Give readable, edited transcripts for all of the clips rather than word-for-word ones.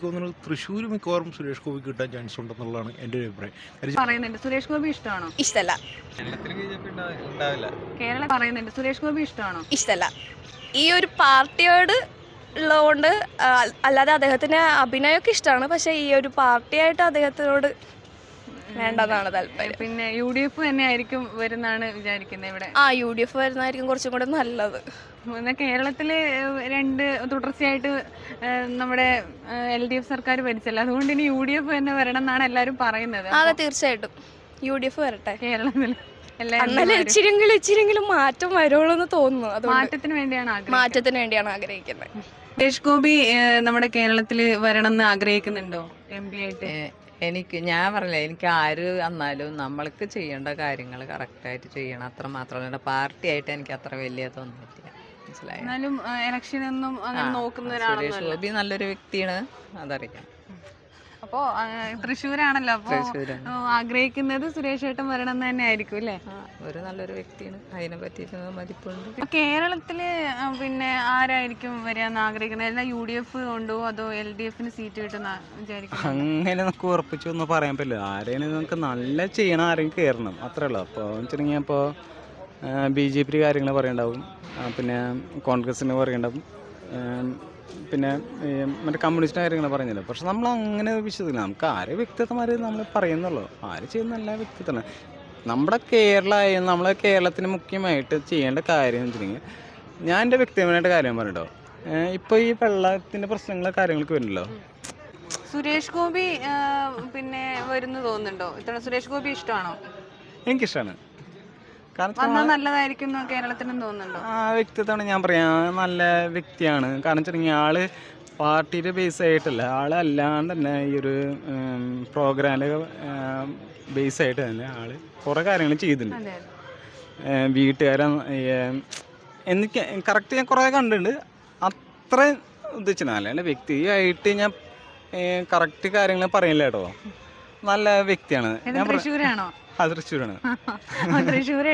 എനിക്ക് തോന്നുന്നത് തൃശ്ശൂർ മിക്കവാറും സുരേഷ് ഗോപി കിട്ടാൻ ചാൻസ് ഉണ്ടെന്നുള്ളതാണ് എൻ്റെ ഒരു അഭിപ്രായം. പറയുന്നുണ്ട് സുരേഷ് ഗോപി ഇഷ്ടമാണോ? ഇഷ്ടല്ല. കേരളം പറയുന്നുണ്ട് സുരേഷ് ഗോപി ഇഷ്ടമാണോ? ഇഷ്ടല്ല. ഈ ഒരു പാർട്ടിയോട് ഉള്ളതുകൊണ്ട് അല്ലാതെ അദ്ദേഹത്തിന് അഭിനയമൊക്കെ ഇഷ്ടമാണ്, പക്ഷെ ഈ ഒരു പാർട്ടിയായിട്ട് അദ്ദേഹത്തിനോട് വേണ്ടെന്നാണ് താല്പര്യം. പിന്നെ UDF തന്നെ ആയിരിക്കും വരുന്നാണ് വിചാരിക്കുന്നത് ഇവിടെ. UDF വരുന്നതായിരിക്കും കുറച്ചും കൂടെ നല്ലത്. എന്നാൽ കേരളത്തില് തുടർച്ചയായിട്ട് നമ്മുടെ LDF സർക്കാർ ഭരിച്ചല്ലോ, അതുകൊണ്ട് ഇനി UDF തന്നെ വരണം എന്നാണ് എല്ലാവരും പറയുന്നത്. അതെ, തീർച്ചയായിട്ടും UDF വരട്ടെ കേരളത്തിൽ. എന്നാലും ഇച്ചിരിയെങ്കിലും മാറ്റം വരുള്ളൂ എന്ന് തോന്നുന്നു. മാറ്റത്തിന് വേണ്ടിയാണ് ആഗ്രഹിക്കുന്നത്. സുരേഷ് ഗോപി നമ്മുടെ കേരളത്തില് വരണം എന്ന് ആഗ്രഹിക്കുന്നുണ്ടോ MP ആയിട്ട്? ഞാൻ പറഞ്ഞില്ല, എനിക്ക് ആര് വന്നാലും നമ്മൾക്ക് ചെയ്യേണ്ട കാര്യങ്ങൾ കറക്റ്റായിട്ട് ചെയ്യണം, അത്ര മാത്രമല്ല. പാർട്ടി ആയിട്ട് എനിക്ക് അത്ര വലിയ തോന്നിയിട്ടില്ല, മനസ്സിലായി. എന്നാലും ഇലക്ഷനൊന്നും അങ്ങനെ നോക്കുന്ന സുരേഷ് ഗോപി നല്ലൊരു വ്യക്തിയാണ്, അതറിയാം. അപ്പോ തൃശ്ശൂരാണല്ലോ, അപ്പൊ ആഗ്രഹിക്കുന്നത് സുരേഷ് ഏട്ടൻ വരണം എന്ന് തന്നെ ആയിരിക്കും അല്ലേ? ഒരു നല്ലൊരു വ്യക്തിയാണ്, അതിനെ പറ്റിയിട്ട് മതിപ്പുണ്ട്. കേരളത്തില് പിന്നെ ആരായിരിക്കും വരാന്ന് ആഗ്രഹിക്കുന്നത്? എല്ലാം UDF കൊണ്ടോ അതോ LDFന് സീറ്റ് കിട്ടുന്ന വിചാരിക്കും? അങ്ങനെ നമുക്ക് ഉറപ്പിച്ചൊന്നും പറയാൻ പറ്റില്ല. ആരെയും നമുക്ക് നല്ല ചെയ്യണം, ആരെയും കയറണം, അത്രേ ഉള്ളൂ. അപ്പോൾ വെച്ചിട്ടുണ്ടെങ്കിൽ ഇപ്പോൾ BJP കാര്യങ്ങൾ പറയണ്ടാവും, പിന്നെ കോൺഗ്രസിന് പറയണ്ടാവും, പിന്നെ മറ്റേ കമ്മ്യൂണിസ്റ്റ് കാര്യങ്ങൾ പറയുന്നില്ല. പക്ഷെ നമ്മൾ അങ്ങനെ വിശ്വസിക്കില്ല. നമുക്ക് ആരെ വ്യക്തിത്വമാർ നമ്മൾ പറയുന്നുള്ളൂ, ആര് ചെയ്യുന്ന എല്ലാ വ്യക്തിത്വമാണ്. നമ്മുടെ നമ്മളെ കേരളത്തിന് മുഖ്യമായിട്ട് ചെയ്യേണ്ട കാര്യം എന്ന് വെച്ചിട്ടുണ്ടെങ്കിൽ, ഞാൻ എൻ്റെ വ്യക്തിപരമായിട്ട് കാര്യം പറഞ്ഞിട്ടോ, ഇപ്പോൾ ഈ വെള്ളത്തിൻ്റെ പ്രശ്നങ്ങൾ കാര്യങ്ങളൊക്കെ വരുന്നല്ലോ. സുരേഷ് ഗോപി പിന്നെ വരുന്നു തോന്നുന്നുണ്ടോ? സുരേഷ് ഗോപി ഇഷ്ടമാണോ? എനിക്കിഷ്ടമാണ്. കാരണം നല്ലതായിരിക്കും കേരളത്തിനും തോന്നുന്നുണ്ടോ? വ്യക്തിത്വമാണ് ഞാൻ പറയാം, നല്ല വ്യക്തിയാണ്. കാരണം വെച്ചിട്ടുണ്ടെങ്കിൽ ആള് പാർട്ടിയുടെ ബേസ് ആയിട്ടല്ല, ആളല്ലാണ്ട് തന്നെ ഈ ഒരു പ്രോഗ്രാമിൽ ബേസ് ആയിട്ട് തന്നെ ആള് കുറേ കാര്യങ്ങൾ ചെയ്തിട്ടുണ്ട്. വീട്ടുകാരെ എനിക്ക് കറക്റ്റ് ഞാൻ കുറേ കണ്ടിട്ടുണ്ട്, അത്ര ഉദ്ദേശിച്ചില്ല. അല്ലാണ്ട് വ്യക്തിയായിട്ട് ഞാൻ കറക്റ്റ് കാര്യങ്ങൾ പറയില്ല കേട്ടോ. നല്ല വ്യക്തിയാണ്. തൃശ്ശൂരാണോ? തൃശ്ശൂരാണ്. തൃശ്ശൂർ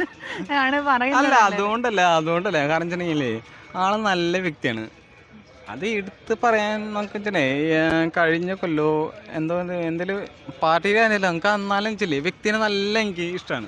അല്ല, അതുകൊണ്ടല്ല. കാരണം വെച്ചിട്ടുണ്ടെങ്കിലേ ആള് നല്ല വ്യക്തിയാണ്. അത് എടുത്ത് പറയാൻ നമുക്ക് കഴിഞ്ഞ കൊല്ലോ എന്തെങ്കിലും പാർട്ടിയിൽ ആണെങ്കിലും നമുക്ക് എന്നാലും വെച്ചില്ലേ വ്യക്തിനെ നല്ല എനിക്ക് ഇഷ്ടമാണ്.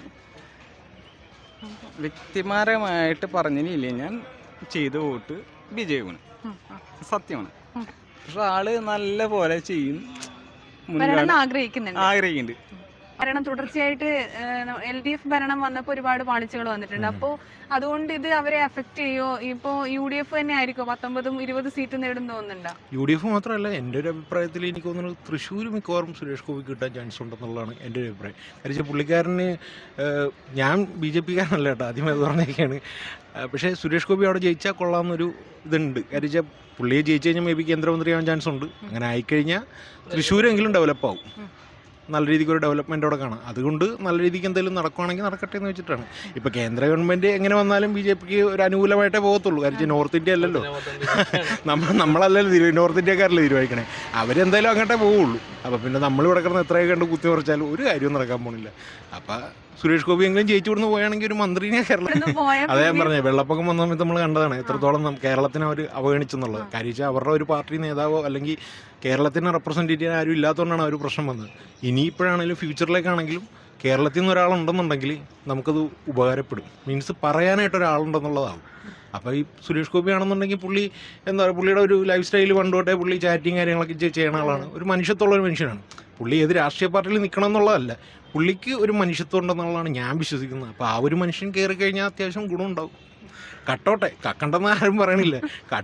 വ്യക്തിപരമായിട്ട് പറഞ്ഞില്ലേ, ഞാൻ ചെയ്ത വോട്ട് BJP-യാണ്, സത്യമാണ്. പക്ഷെ ആള് നല്ല പോലെ ചെയ്യും, ആഗ്രഹിക്കുന്നുണ്ട്. ഭരണം തുടർച്ചയായിട്ട് LDF ഭരണം വന്നപ്പോൾ ഒരുപാട് പാളിച്ചകൾ വന്നിട്ടുണ്ട്. അപ്പോൾ അതുകൊണ്ട് ഇത് അവരെ അഫക്ട് ചെയ്യോ? ഇപ്പോ UDF തന്നെ ആയിരിക്കും 19-20 സീറ്റ് നേടും തോന്നുന്നുണ്ടോ? UDF മാത്രമല്ല, എൻ്റെ ഒരു അഭിപ്രായത്തിൽ എനിക്ക് തോന്നുന്നത് തൃശ്ശൂർ മിക്കവാറും സുരേഷ് ഗോപി കിട്ടാൻ ചാൻസ് ഉണ്ടെന്നുള്ളതാണ് എൻ്റെ ഒരു അഭിപ്രായം. കാരണം പുള്ളിക്കാരന്, ഞാൻ BJP-കാരനല്ല കേട്ടോ, ആദ്യമേ അത് പറഞ്ഞൊക്കെയാണ്. പക്ഷേ സുരേഷ് ഗോപി അവിടെ ജയിച്ചാൽ കൊള്ളാമെന്നൊരു ഇതുണ്ട്. കാരണം പുള്ളിയെ ജയിച്ചു കഴിഞ്ഞാൽ മേ ബി കേന്ദ്രമന്ത്രിയാവാൻ ചാൻസ് ഉണ്ട്. അങ്ങനെ ആയിക്കഴിഞ്ഞാൽ തൃശ്ശൂരെങ്കിലും ഡെവലപ്പാവും, നല്ല രീതിക്ക് ഒരു ഡെവലപ്മെൻ്റ് അവിടെ കാണാം. അതുകൊണ്ട് നല്ല രീതിക്ക് എന്തെങ്കിലും നടക്കുവാണെങ്കിൽ നടക്കട്ടെ എന്ന് വെച്ചിട്ടാണ്. ഇപ്പോൾ കേന്ദ്ര ഗവൺമെൻറ് എങ്ങനെ വന്നാലും BJP-ക്ക് ഒരു അനുകൂലമായിട്ടേ പോകത്തുള്ളൂ. കാരണം നോർത്ത് ഇന്ത്യ അല്ലല്ലോ, നമ്മളല്ലല്ലോ നോർത്ത് ഇന്ത്യക്കാരല്ലേ തീരുമാനിക്കണേ. അവരെന്തായാലും അങ്ങോട്ടേ പോവുള്ളൂ. അപ്പോൾ പിന്നെ നമ്മളിവിടെ കിടന്ന് എത്രയൊക്കെ കണ്ട് കുത്തി മറിച്ചാലും ഒരു കാര്യവും നടക്കാൻ പോണില്ല. അപ്പോൾ സുരേഷ് ഗോപി എങ്കിലും ജയിച്ചു കൊടുന്ന് പോയാണെങ്കിൽ ഒരു മന്ത്രിനെ അതേ ഞാൻ പറഞ്ഞത്, വെള്ളപ്പൊക്കം വന്ന സമയത്ത് നമ്മൾ കണ്ടതാണ് എത്രത്തോളം കേരളത്തിനെ അവർ അവഗണിച്ചെന്നുള്ളത്. കാര്യം അവരുടെ ഒരു പാർട്ടി നേതാവോ അല്ലെങ്കിൽ കേരളത്തിനെ റെപ്രസെൻറ്റ് ചെയ്യാൻ ആരും ഇല്ലാത്തതുകൊണ്ടാണ് ആ ഒരു പ്രശ്നം വന്നത്. ഇനിയിപ്പോഴാണെങ്കിലും ഫ്യൂച്ചറിലേക്കാണെങ്കിലും കേരളത്തിൽ നിന്ന് ഒരാളുണ്ടെന്നുണ്ടെങ്കിൽ നമുക്കത് ഉപകാരപ്പെടും. മീൻസ് പറയാനായിട്ട് ഒരാളുണ്ടെന്നുള്ളതാവും. അപ്പോൾ ഈ സുരേഷ് ഗോപി ആണെന്നുണ്ടെങ്കിൽ പുള്ളി എന്താ പറയുക, പുള്ളിയുടെ ഒരു ലൈഫ് സ്റ്റൈൽ പണ്ടോട്ടെ പുള്ളി ചാറ്റിങ് കാര്യങ്ങളൊക്കെ ചെയ്യുന്ന ആളാണ്. ഒരു മനുഷ്യത്വമുള്ള ഒരു മനുഷ്യനാണ്. പുള്ളി ഏത് രാഷ്ട്രീയ പാർട്ടിയിൽ നിൽക്കണം എന്നുള്ളതല്ല, പുള്ളിക്ക് ഒരു മനുഷ്യത്വം ഉണ്ടെന്നുള്ളതാണ് ഞാൻ വിശ്വസിക്കുന്നത്. അപ്പോൾ ആ ഒരു മനുഷ്യൻ കയറി കഴിഞ്ഞാൽ അത്യാവശ്യം ഗുണമുണ്ടാവും. കട്ടോട്ടെ, കക്കണ്ടെന്ന് ആരും പറയണില്ല,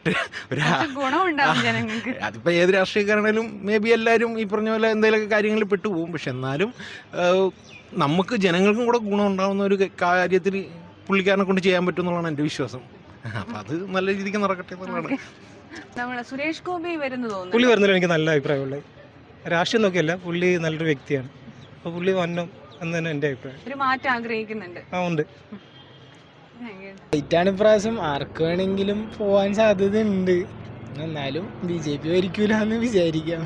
അതിപ്പോൾ ഏത് രാഷ്ട്രീയക്കാരാണേലും മേ ബി എല്ലാവരും ഈ പറഞ്ഞ പോലെ എന്തെങ്കിലുമൊക്കെ കാര്യങ്ങളിൽ പെട്ടുപോകും. പക്ഷെ എന്നാലും നമുക്ക് ജനങ്ങൾക്കും കൂടെ ഗുണം ഉണ്ടാകുന്ന ഒരു കാര്യത്തിൽ പുള്ളിക്കാരനെ കൊണ്ട് ചെയ്യാൻ പറ്റും എന്നുള്ളതാണ് എൻ്റെ വിശ്വാസം. അപ്പം അത് നല്ല രീതിക്ക് നടക്കട്ടെ എന്നുള്ളതാണ്. സുരേഷ് ഗോപി പുള്ളി വരുന്നതിൽ എനിക്ക് നല്ല അഭിപ്രായമുള്ളത്. രാഷ്ട്രീയം നോക്കിയല്ല, പുള്ളി നല്ലൊരു വ്യക്തിയാണ്. അപ്പോൾ പുള്ളി വന്നു എന്ന് തന്നെ എൻ്റെ അഭിപ്രായം. ഒരു മാറ്റം ആഗ്രഹിക്കുന്നുണ്ട്. ഉണ്ട്. ഇപ്രാവശ്യം ആർക്ക് വേണമെങ്കിലും പോവാൻ സാധ്യത ഉണ്ട്. എന്നാലും BJP ഭരിക്കൂല എന്ന് വിചാരിക്കാം.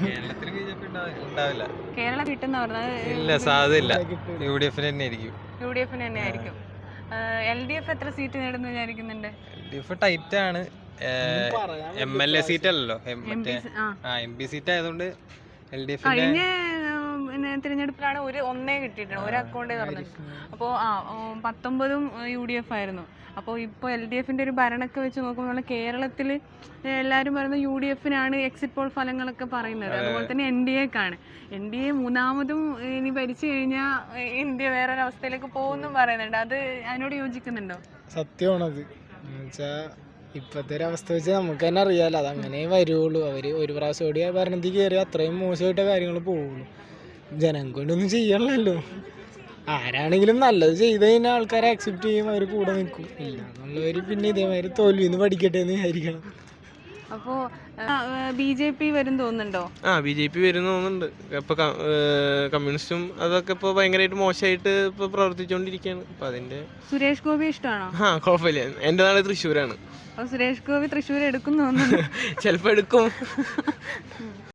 കേരളം കിട്ടുന്ന ഇല്ല, സാധ്യതയില്ല. UDF തന്നെ ആയിരിക്കും. LDF എത്ര സീറ്റ് നേടുന്നു വിചാരിക്കുന്നുണ്ട്? LDF ടൈറ്റ് ആണ്. MLA സീറ്റ് അല്ലല്ലോ MP MP സീറ്റ് ആയതുകൊണ്ട് LDF കഴിഞ്ഞ തിരഞ്ഞെടുപ്പിലാണ് ഒന്നേ കിട്ടിയിട്ടുണ്ട്, ഒരു അക്കൗണ്ടേ തുറന്നിട്ടുണ്ട്. അപ്പോൾ 19 UDF ആയിരുന്നു. അപ്പോൾ ഇപ്പോൾ LDFന്റെ ഒരു ഭരണമൊക്കെ വെച്ച് നോക്കുമ്പോൾ കേരളത്തിൽ എല്ലാവരും പറയുന്നത് UDFനാണ് എക്സിറ്റ് പോൾ ഫലങ്ങളൊക്കെ പറയുന്നത്. അതുപോലെ തന്നെ NDAക്കാണ്. NDA മൂന്നാമതും ഇനി ഭരിച്ചു കഴിഞ്ഞാൽ ഇന്ത്യ വേറൊരവസ്ഥയിലേക്ക് പോകുമെന്നും പറയുന്നുണ്ട്. അത് അതിനോട് യോജിക്കുന്നുണ്ടോ? സത്യമാണത്. എന്നുവെച്ചാൽ ഇപ്പോഴത്തെ ഒരു അവസ്ഥ വെച്ച് നമുക്ക് തന്നെ അറിയാമല്ലോ, അതങ്ങനെ വരുള്ളൂ. അവർ ഒരു പ്രാവശ്യം കൂടി ഭരണത്തിൽ കയറി അത്രയും മോശമായിട്ട കാര്യങ്ങൾ പോവുള്ളൂ. ജനം കൊണ്ടൊന്നും ചെയ്യണമല്ലോ. ആരാണെങ്കിലും നല്ലത് ചെയ്ത് കഴിഞ്ഞാൽ ആൾക്കാരെ അക്സെപ്റ്റ് ചെയ്യും, അവർ കൂടെ നിൽക്കും. ഇല്ല എന്നുള്ളവർ പിന്നെ ഇതേമാതിരി തോൽവിന്ന് പഠിക്കട്ടെ എന്ന് വിചാരിക്കണം. അപ്പോൾ BJP വരും തോന്നുന്നുണ്ടോ? BJP വരും തോന്നുന്നുണ്ട്. ഇപ്പോൾ കമ്മ്യൂണിസ്റ്റും അതൊക്കെ ഇപ്പോൾ ഭയങ്കരമായിട്ട് മോശമായിട്ട് ഇപ്പോൾ പ്രവർത്തിച്ചുകൊണ്ടിരിക്കുകയാണ്. അപ്പോൾ അതിൻ്റെ സുരേഷ് ഗോപി ഇഷ്ടമാണോ? കുഴപ്പമില്ല. എൻ്റെ നാട് തൃശ്ശൂരാണ്. സുരേഷ് ഗോപി തൃശ്ശൂർ എടുക്കും തോന്നുന്നു. ചിലപ്പോൾ എടുക്കും.